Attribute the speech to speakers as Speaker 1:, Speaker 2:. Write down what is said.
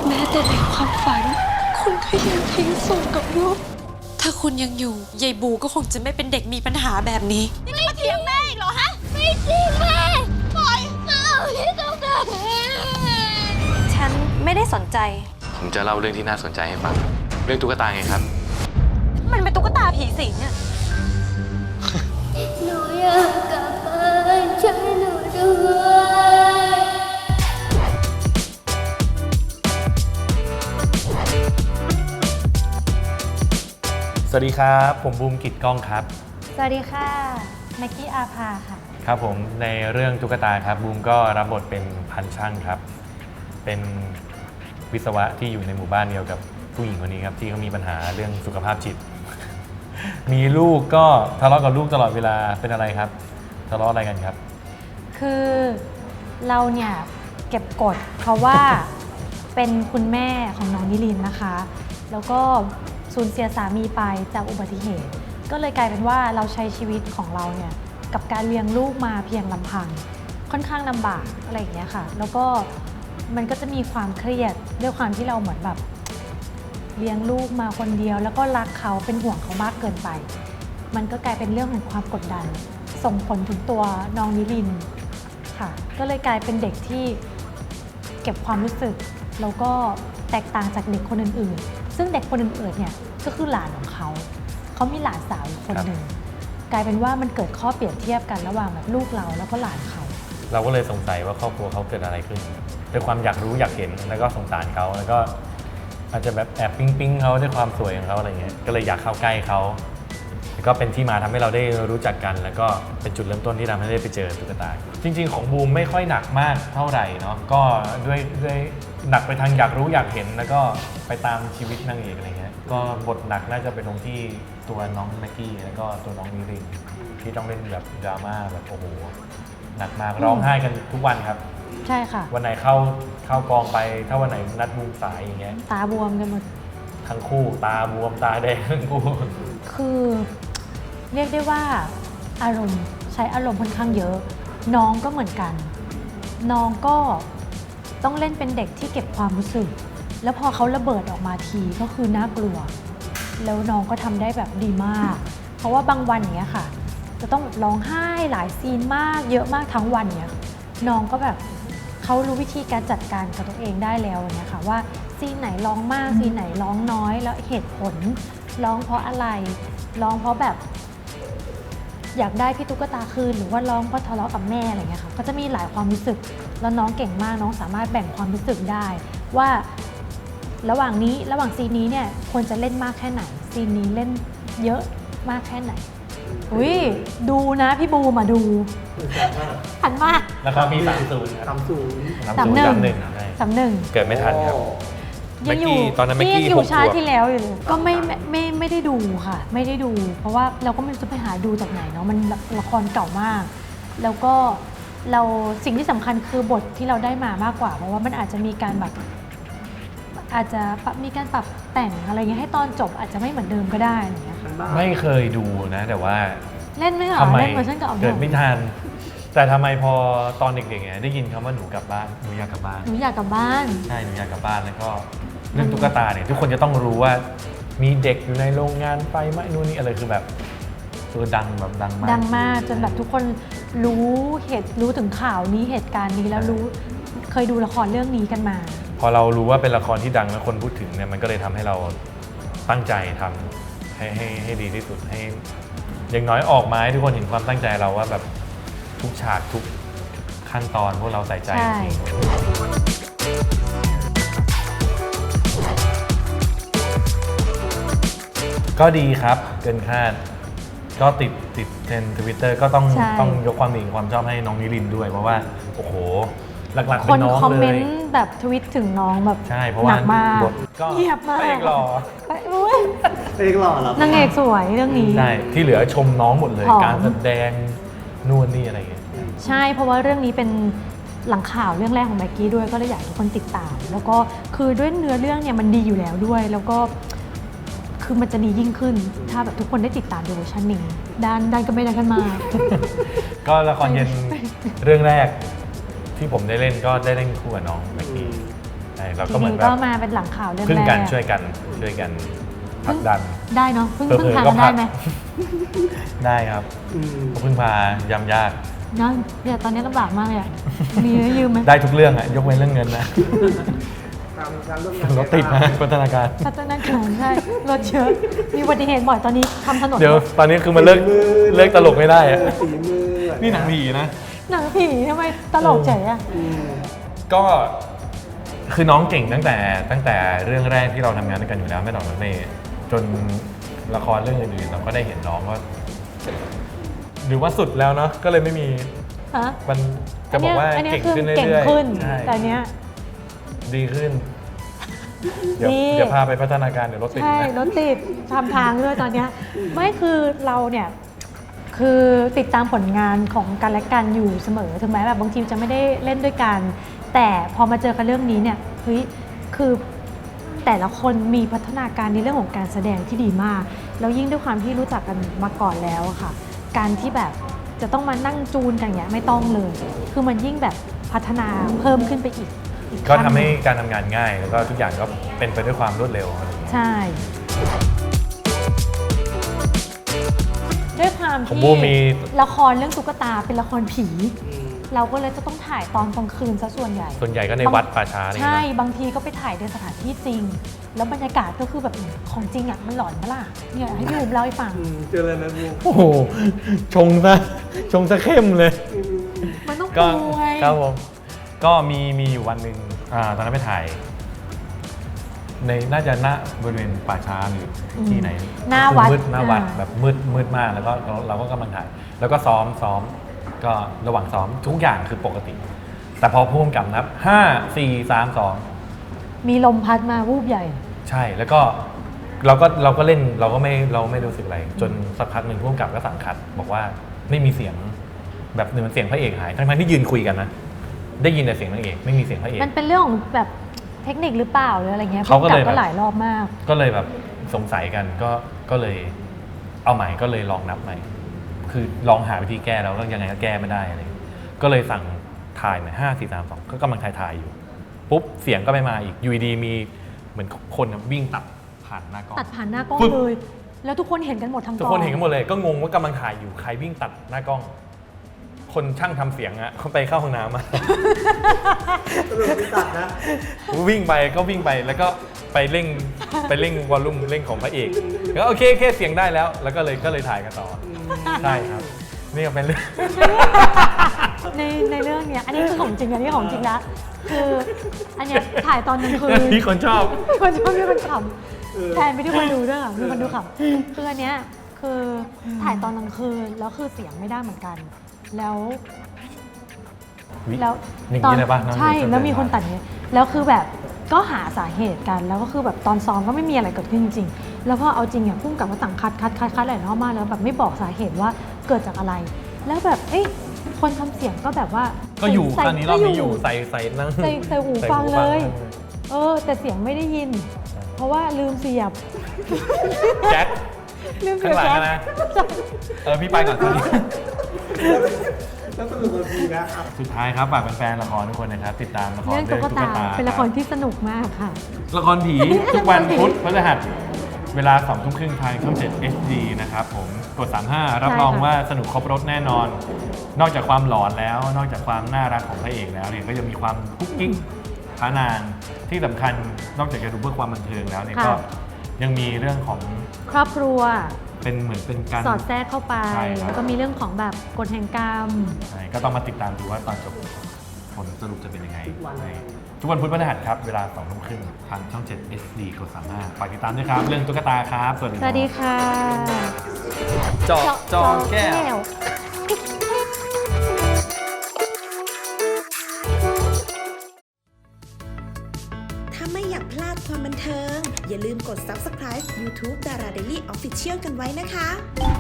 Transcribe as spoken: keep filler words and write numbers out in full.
Speaker 1: แม้แต่ในความฝันคุณก็ยังทิ้งส่งกับลูกถ้าคุณยังอยู่ยายบูก็คงจะไม่เป็นเด็กมีปัญหาแบบนี้
Speaker 2: นี่มาเถียงแม่อีกเหรอฮะไม่จริงแม่ปล่อยเอาที่ต้องการ
Speaker 1: ฉันไม่ได้สนใจ
Speaker 3: ผมจะเล่าเรื่องที่น่าสนใจให้ฟังเรื่องตุ๊กตาไงครับ
Speaker 1: มันเป็นตุ๊กตาผีสิงอะ
Speaker 2: หนูอยากกลับบ้านช่วยหนูด้วย
Speaker 4: สวัสดีครับผมบูมกิจก้องครับ
Speaker 5: สวัสดีค่ะแม็กกี้อาภาค่ะ
Speaker 4: ครับผมในเรื่องตุ๊กตาครับบูมก็รับบทเป็นพันช่างครับเป็นวิศวะที่อยู่ในหมู่บ้านเดียวกับผู้หญิงคนนี้ครับที่เขามีปัญหาเรื่องสุขภาพจิต มีลูกก็ทะเลาะกับลูกตลอดเวลาเป็นอะไรครับทะเลาะอะไรกันครับ
Speaker 5: คือเราเนี่ยเก็บกดเพราะว่า เป็นคุณแม่ของน้องนิลินนะคะแล้วก็สูญเสียสามีไปจากอุบัติเหตุก็เลยกลายเป็นว่าเราใช้ชีวิตของเราเนี่ยกับการเลี้ยงลูกมาเพียงลำพังค่อนข้างลำบากอะไรอย่างเงี้ยค่ะแล้วก็มันก็จะมีความเครียดด้วยความที่เราเหมือนแบบเลี้ยงลูกมาคนเดียวแล้วก็รักเขาเป็นห่วงเขามากเกินไปมันก็กลายเป็นเรื่องของความกดดันส่งผลถึงตัวน้องนิลินค่ะก็เลยกลายเป็นเด็กที่เก็บความรู้สึกแล้วก็แตกต่างจากเด็กคนอื่นๆซึ่งเด็กคนอื่นๆเนี่ยก็คือหลานของเขาเขามีหลานสาวอีกคนหนึ่งกลายเป็นว่ามันเกิดข้อเปรียบเทียบกันระหว่างแบบลูกเราแล้วก็หลานเขา
Speaker 4: เราก็เลยสงสัยว่าครอบครัวเขาเกิดอะไรขึ้นด้วยความอยากรู้อยากเห็นแล้วก็สงสารเขาแล้วก็อาจจะแบบแอบปิ๊งปิ๊งเขาด้วยความสวยของเขาอะไรเงี้ยก็เลยอยากเข้าใกล้เขาแล้วก็เป็นที่มาทำให้เราได้รู้จักกันแล้วก็เป็นจุดเริ่มต้นที่ทำให้ได้ไปเจอตุ๊กตาจริงๆของบูมไม่ค่อยหนักมากเท่าไหร่เนาะก็ด้วยด้วยหนักไปทางอยากรู้อยากเห็นแล้วก็ไปตามชีวิตนางเอกอะไรเงี้ยก็บทหนักน่าจะเป็นตรงที่ตัวน้องแม็กกี้แล้วก็ตัวน้องนิรินที่ต้องเล่นแบบดราม่าแบบโอ้โหหนักมากร้องไห้กันทุกวันครับ
Speaker 5: ใช่ค่ะ
Speaker 4: วันไหนเข้าเข้ากองไปถ้าวันไหนนัดบูมสายอย่างเงี้ย
Speaker 5: ตาบวมกันหมด
Speaker 4: ทั้งคู่ตาบวมตาแดงทั้งคู่
Speaker 5: คือเรียกได้ว่าอารมณ์ใช้อารมณ์ค่อนข้างเยอะน้องก็เหมือนกันน้องก็ต้องเล่นเป็นเด็กที่เก็บความรู้สึกแล้วพอเขาระเบิดออกมาทีก็คือน่ากลัวแล้วน้องก็ทำได้แบบดีมากเพราะว่าบางวันเนี้ยค่ะจะต้องร้องไห้หลายซีนมากเยอะมากทั้งวันเนี้ยน้องก็แบบเขารู้วิธีการจัดการกับตัวเองได้แล้วเนี่ยค่ะว่าซีนไหนร้องมากซีนไหนร้องน้อยแล้วเหตุผลร้องเพราะอะไรร้องเพราะแบบอยากได้พี่ตุ๊กตาคืนหรือว่าร้องเพราะทะเลาะกับแม่อะไรเงี้ยค่ะก็จะมีหลายความรู้สึกแล้วน้องเก่งมากน้องสามารถแบ่งความรู้สึกได้ว่าระหว่างนี้ระหว่างซีนนี้เนี่ยควรจะเล่นมากแค่ไหนซีนนี้เล่นเยอะมากแค่ไหนอุ้ยดูนะพี่บูมาดูหันมาก
Speaker 4: แล้วก็มีสามศูนย์
Speaker 6: สามศูนย์
Speaker 5: สามหนึ่งสามหนึ่ง
Speaker 4: เกิดไม่ทันครับ
Speaker 5: ยังอยู่ตอนนั้นไม่กี่อยู่ชาติที่แล้วอยู่เลยก็ไม่ไม่ไม่ได้ดูค่ะไม่ได้ดูเพราะว่าเราก็ไม่รู้จะไปหาดูจากไหนเนาะมันละครเก่ามากแล้วก็เราสิ่งที่สำคัญคือบทที่เราได้มามากกว่าเพราะว่ามันอาจจะมีการแบบอาจจะมีการปรับแต่งอะไรเงี้ยให้ตอนจบอาจจะไม่เหมือนเดิมก็ได้อะไรเงี้ย
Speaker 4: ไม่เคยดูนะแต่ว่า
Speaker 5: เล่นไม่หรอเล่นเวอร์ชันเก่า
Speaker 4: เกิดไม่ทันแต่ทำไมพอตอนเด็กๆเนี่ยได้ยินคำว่าหนูกลับบ้านหนูอยากกลับบ้าน
Speaker 5: หนูอยากกลับบ้าน
Speaker 4: ใช่หนูอยากกลับบ้านแล้วก็เรื่องตุ๊กตาเนี่ยทุกคนจะต้องรู้ว่ามีเด็กอยู่ในโรงงานไฟไหม้นู่นนี่อะไรคือแบบตัวดังแบบดังมาก
Speaker 5: ดังมากจนแบบทุกคนรู้เหตุรู้ถึงข่าวนี้เหตุการณ์นี้แล้วรู้เคยดูละครเรื่องนี้กันมา
Speaker 4: พอเรารู้ว่าเป็นละครที่ดังแล้วคนพูดถึงเนี่ยมันก็เลยทำให้เราตั้งใจทำให้ให้ให้ดีที่สุดให้อย่างน้อยออกมาให้ทุกคนเห็นความตั้งใจเราว่าแบบทุกฉากทุกขั้นตอนพวกเราใส่ใจจริงก็ดีครับเกินคาดก็ติดติดเทรนด์ ทวิตเตอร์ ก็ต้องต้องยกความดีความชอบให้น้องนิรินด้วยเพราะว่าโอ้โหหลักๆเป็นน้องเลยคน
Speaker 5: คอมเมนต์แบบทวิตถึงน้องแบบ
Speaker 4: ใช่เพราะว่าบทก็
Speaker 5: เงียบมาก
Speaker 4: เอกหล่อ
Speaker 6: เอกหล่อเหรอน
Speaker 5: างเอกสวยเรื่องนี้
Speaker 4: ใช่ที่เหลือชมน้องหมดเลยการแสดงนู่นนี่อะไรอย่างเงี้ย
Speaker 5: ใช่เพราะว่าเรื่องนี้เป็นหลังข่าวเรื่องแรกของแม็กกี้ด้วยก็เลยอยากให้ทุกคนติดตามแล้วก็คือด้วยเนื้อเรื่องเนี่ยมันดีอยู่แล้วด้วยแล้วก็คือมันจะดียิ่งขึ้นถ้าแบบทุกคนได้ติดตามดูเวอร์ชันนี้ด้านด้านก็ไม่ได้กันมา
Speaker 4: ก็ละครเย็นเรื่องแรกที่ผมได้เล่นก็ได้เล่นคู่กับน้องแม็กกี้ใช่เรา
Speaker 5: ที
Speaker 4: ก็เหมือ
Speaker 5: วี
Speaker 4: นแบ
Speaker 5: ก็
Speaker 4: บ
Speaker 5: มาเป็นหลังข่าวเรื่อง
Speaker 4: พึ่ง
Speaker 5: แรก
Speaker 4: กันช่วยกันช่วยกันผลักดัน
Speaker 5: ได้เนาะพึ่ง
Speaker 4: เผลอๆ
Speaker 5: พึ่งพา
Speaker 4: ก็
Speaker 5: กัน
Speaker 4: ผลั
Speaker 5: ได้
Speaker 4: ก
Speaker 5: ไหม
Speaker 4: ได้ครับ
Speaker 6: อืม
Speaker 4: พึ่งพายำยาก
Speaker 5: เนาะเนี่ยตอนนี้ลำบากมากเลยอะมีให้ยืมไหม
Speaker 4: ได้ทุกเรื่องอะยกเว้นเรื่องเงินนะ
Speaker 6: ตามการร่วมงาน
Speaker 4: รถติดนะพัฒนาการ
Speaker 5: พัฒนาการใช่รถเยอะมีอุบัติเหตุบ่อยตอนนี้ทำถนน
Speaker 4: เดี๋ยวตอนนี้คือมันเลิกเลิกตลกไม่ได้อะ
Speaker 6: ฝีมือ
Speaker 4: นี่หนังผีนะ
Speaker 5: หนังผีทำไมตลกเฉยอะ
Speaker 6: อืม
Speaker 4: ก็คือน้องเก่งตั้งแต่ตั้งแต่เรื่องแรกที่เราทำงานด้วยกันอยู่แล้วไม่ต่อรถเมย์จนละครเรื่องอื่นๆเราก็ได้เห็นน้องว่าหรือว่าสุดแล้วเนาะก็เลยไม่มี
Speaker 5: ฮะ
Speaker 4: มันจะบอกว่า
Speaker 5: อันนี้
Speaker 4: เก่ง
Speaker 5: คือ
Speaker 4: ขึ้น
Speaker 5: เก่ง
Speaker 4: เรื่อย
Speaker 5: ขึ้น
Speaker 4: ๆใช่
Speaker 5: แต่อันเนี้ย
Speaker 4: ดีขึ้น เดี๋ยว
Speaker 5: ดี
Speaker 4: เดี๋ยวพาไปพัฒนาการเดี๋ยวรถติด
Speaker 5: ใช่
Speaker 4: นะ
Speaker 5: รถติดทำทางด้วยตอนเนี้ยไม่คือเราเนี่ยคือติดตามผลงานของกันและกันอยู่เสมอถึงแม้แบบบางทีจะไม่ได้เล่นด้วยกัน แต่พอมาเจอกันเรื่องนี้เนี่ยเฮ้ยคือแต่ละคนมีพัฒนาการในเรื่องของการแสดงที่ดีมากแล้วยิ่งด้วยความที่รู้จักกันมาก่อนแล้วอะค่ะ การที่แบบจะต้องมานั่งจูนกันอย่างเงี้ยไม่ต้องเลย คือมันยิ่งแบบพัฒนาเพิ่มขึ้นไปอีกอี
Speaker 4: ก็
Speaker 5: ขั้น
Speaker 4: ทำให้
Speaker 5: นึ่ง
Speaker 4: การทำงานง่าย แล้วก็ทุกอย่างก็เป็นไปด้วยความรวดเร็วอะไรอย่างเงี้ย
Speaker 5: ใช่ ด้วยความ
Speaker 4: ของ
Speaker 5: ที่
Speaker 4: บูมมี
Speaker 5: ละครเรื่องตุ๊กตาเป็นละครผี เราก็เลยจะต้องถ่ายตอนกลางคืนซะส่วนใหญ่
Speaker 4: ส่วนใหญ่ก็ในวัดป่าช้าอะไรอย่าง
Speaker 5: ใช่
Speaker 4: เงี้ย
Speaker 5: บางทีก็ไปถ่ายในสถานที่จริง แล้วบรรยากาศก็คือแบบของจริงอ่ะมันหลอนปะล่ะเนี่ยให้พี่บุ๋มเล่าให้ฟัง
Speaker 6: อืมเจออะไรนะบูม
Speaker 4: โอ้โหชงซะชงซะเข้มเลย
Speaker 5: มันต้อง
Speaker 4: ก็
Speaker 5: ป่วย
Speaker 4: ครับผมก็มีมีอยู่วันหนึ่งอ่าตอนนั้นไปถ่าย ในน่าจะหน้าบริเวณป่าช้าหรือที่ไหน
Speaker 5: หน้าวัด
Speaker 4: มืดหน้าวัด
Speaker 5: อ่า
Speaker 4: แบบมืดมืดมากแล้วก็เราเราก็กำลังถ่าย แล้วก็ซ้อมซ้อมก็ระหว่างซ้อมทุกอย่างคือปกติ แต่พอพุ่มกับนับห้าสี่สามสอง
Speaker 5: มีลมพัดมาวูบใหญ่
Speaker 4: ใช่แล้วก็เราก็เราก็เล่นเราก็ไม่เราไม่รู้สึกอะไร จนสักพักหนึ่งพุ่มกับก็สั่งคัด บอกว่าไม่มีเสียงแบบเหมือนเสียงพระเอกหายทั้งๆที่ยืนคุยกันนะได้ยินแต่เสียงนางเอกไม่มีเสียงพระเอก
Speaker 5: มันเป็นเรื่องของแบบเทคนิคหรือเปล่าหรืออะไรเงี้ย
Speaker 4: เขาก็เลย
Speaker 5: พุ่งบ
Speaker 4: แบบ
Speaker 5: ก็หลายรอบมาก
Speaker 4: ก็เลยแบบสงสัยกันก็ก็เลยเอาใหม่ก็เลยลองนับใหม่ คือลองหาวิธีแก้แล้วก็ยังไงก็แก้ไม่ได้อะไรอย่างเงี้ยก็เลยสั่งถ่ายใหม่ห้าสี่สามสองก็กำลังถ่ายถ่ายอยู่ปุ๊บเสียงก็ไม่มาอีกอยูดีๆมีเหมือนคนวิ่งตัดผ่านหน้ากล้อง
Speaker 5: ตัดผ่านหน้ากล้อง
Speaker 4: ปึ๊บ
Speaker 5: เลย แล้วทุกคนเห็นกันหมดทั้งก
Speaker 4: ทุ
Speaker 5: อก ง
Speaker 4: คนเห็นกันหมดเลยก็งงว่ากำลังถ่ายอยู่ใครวิ่งตัดหน้ากล้อง คนช่างทำเสียงอะเขาไปเข้าห้องน้ำมา
Speaker 6: สรุปไม่ตัดนะ
Speaker 4: วิ่งไปก็วิ่งไปแล้วก็ไปเร่งไปเร่งวอลลุ่มเร่งของพระเอกแล้วโอเคแค่เสียงได้แล้ว แล้วก็เลยก็เลยถ่ายกันต่อใช่ครับนี่ก็เป็นเรื่อง
Speaker 5: ในในเรื่องเนี้ยอันนี้คือของจริงอันนี้ของจริงละคืออันเนี้ยถ่ายตอนกลางคืน
Speaker 4: ที่คนชอบ
Speaker 5: คนชอบมีคนขำแทนไปที่คนดูด้วยอะมีคนดูขำคืออันเนี้ยคือถ่ายตอนกลางคืนแล้วคือเสียงไม่ได้เหมือนกัน แล้ว
Speaker 4: วิ
Speaker 5: แล้ว
Speaker 4: อย่าง
Speaker 5: ตอ
Speaker 4: นี้
Speaker 5: น
Speaker 4: เลยปะน้อง
Speaker 5: ใช่
Speaker 4: เดี๋ยว
Speaker 5: แล้วมี
Speaker 4: ช่วย
Speaker 5: คนตัดเนี้ยแล้วคือแบบก็หาสาเหตุกันแล้วก็คือแบบตอนซ้อมก็ไม่มีอะไรเกิดขึ้นจริงๆแล้วพอเอาจริงอ่ะพุ่งกับว่าสั่งคัดคัดคัดคัดหลายรอบมากแล้วแบบไม่บอกสาเหตุว่าเกิดจากอะไร แล้วแบบเอ้ยคนทำเสียงก็แบบว่า
Speaker 4: ก็อยู่
Speaker 5: ใส่
Speaker 4: ครั้งนี้รอบนี้อยู่ใส่ใส่นั่ง
Speaker 5: ใส่ใส่หู
Speaker 4: ใส่
Speaker 5: ฟังเลย
Speaker 4: ฟัง
Speaker 5: เออ แต่เสียงไม่ได้ยิน เพราะว่าลืมเสียบ
Speaker 4: แจ็ค
Speaker 5: ลืมเสี
Speaker 4: ข้าย ง
Speaker 5: บ
Speaker 4: หลัง
Speaker 5: แจ๊
Speaker 4: นะ
Speaker 5: ค
Speaker 4: เออพี่ไปก่อนตอนนี้
Speaker 6: แล้วสรุปมันดีนะอ่ะ
Speaker 4: สุดท้ายครับฝากแฟนๆละครทุกคนนะครับติดตามละคร
Speaker 5: เรื่องตุ๊กตาเป็นละคร
Speaker 4: รับ
Speaker 5: ที่สนุกมากค่ะ
Speaker 4: ละครผี ทุกวันพุธพฤหัสเวลาสองทุ่มครึ่งทางช่องเจ็ด เอช ดี นะครับผมกดสามห้ารับรอง
Speaker 5: ใช่ค่ะ
Speaker 4: ว่าสนุกครบรถแน่นอน นอกจากความหลอนแล้ว นอกจากความน่ารักของพระเอกแล้วเนี่ยก็ยังมีความคุกกิ๊กพานางที่สำคัญนอกจากจะดูเพื่อความบันเทิงแล้วเนี่ยก็ยังมีเรื่องของ
Speaker 5: ครอบครัว
Speaker 4: เป็นเหมือนเป็นการ
Speaker 5: สอดแทรกเข้าไป
Speaker 4: ใช่ครับ
Speaker 5: แล้วก็มีเรื่องของแบบกฎแห่งกรรม
Speaker 4: ใช่ก็ต้องมาติดตามดูว่าตอนจบผลสรุปจะเป็นยังไงใช่ทุกวันพุธพฤหัสครับเวลาสองทุ่มครึ่งทางช่องเจ็ด เอช ดี กดสามห้าฝากติดตามด้วยครับเรื่องตุ๊กตาครับสวัสดี
Speaker 5: สวัสดีค่ะ
Speaker 4: เจาะจอแก้ว
Speaker 7: ถ้าไม่อยากพลาดความบันเทิง อย่าลืมกด ซับสไครบ์ ยูทูบ ดารา เดลี่ ออฟฟิเชียล กันไว้นะคะ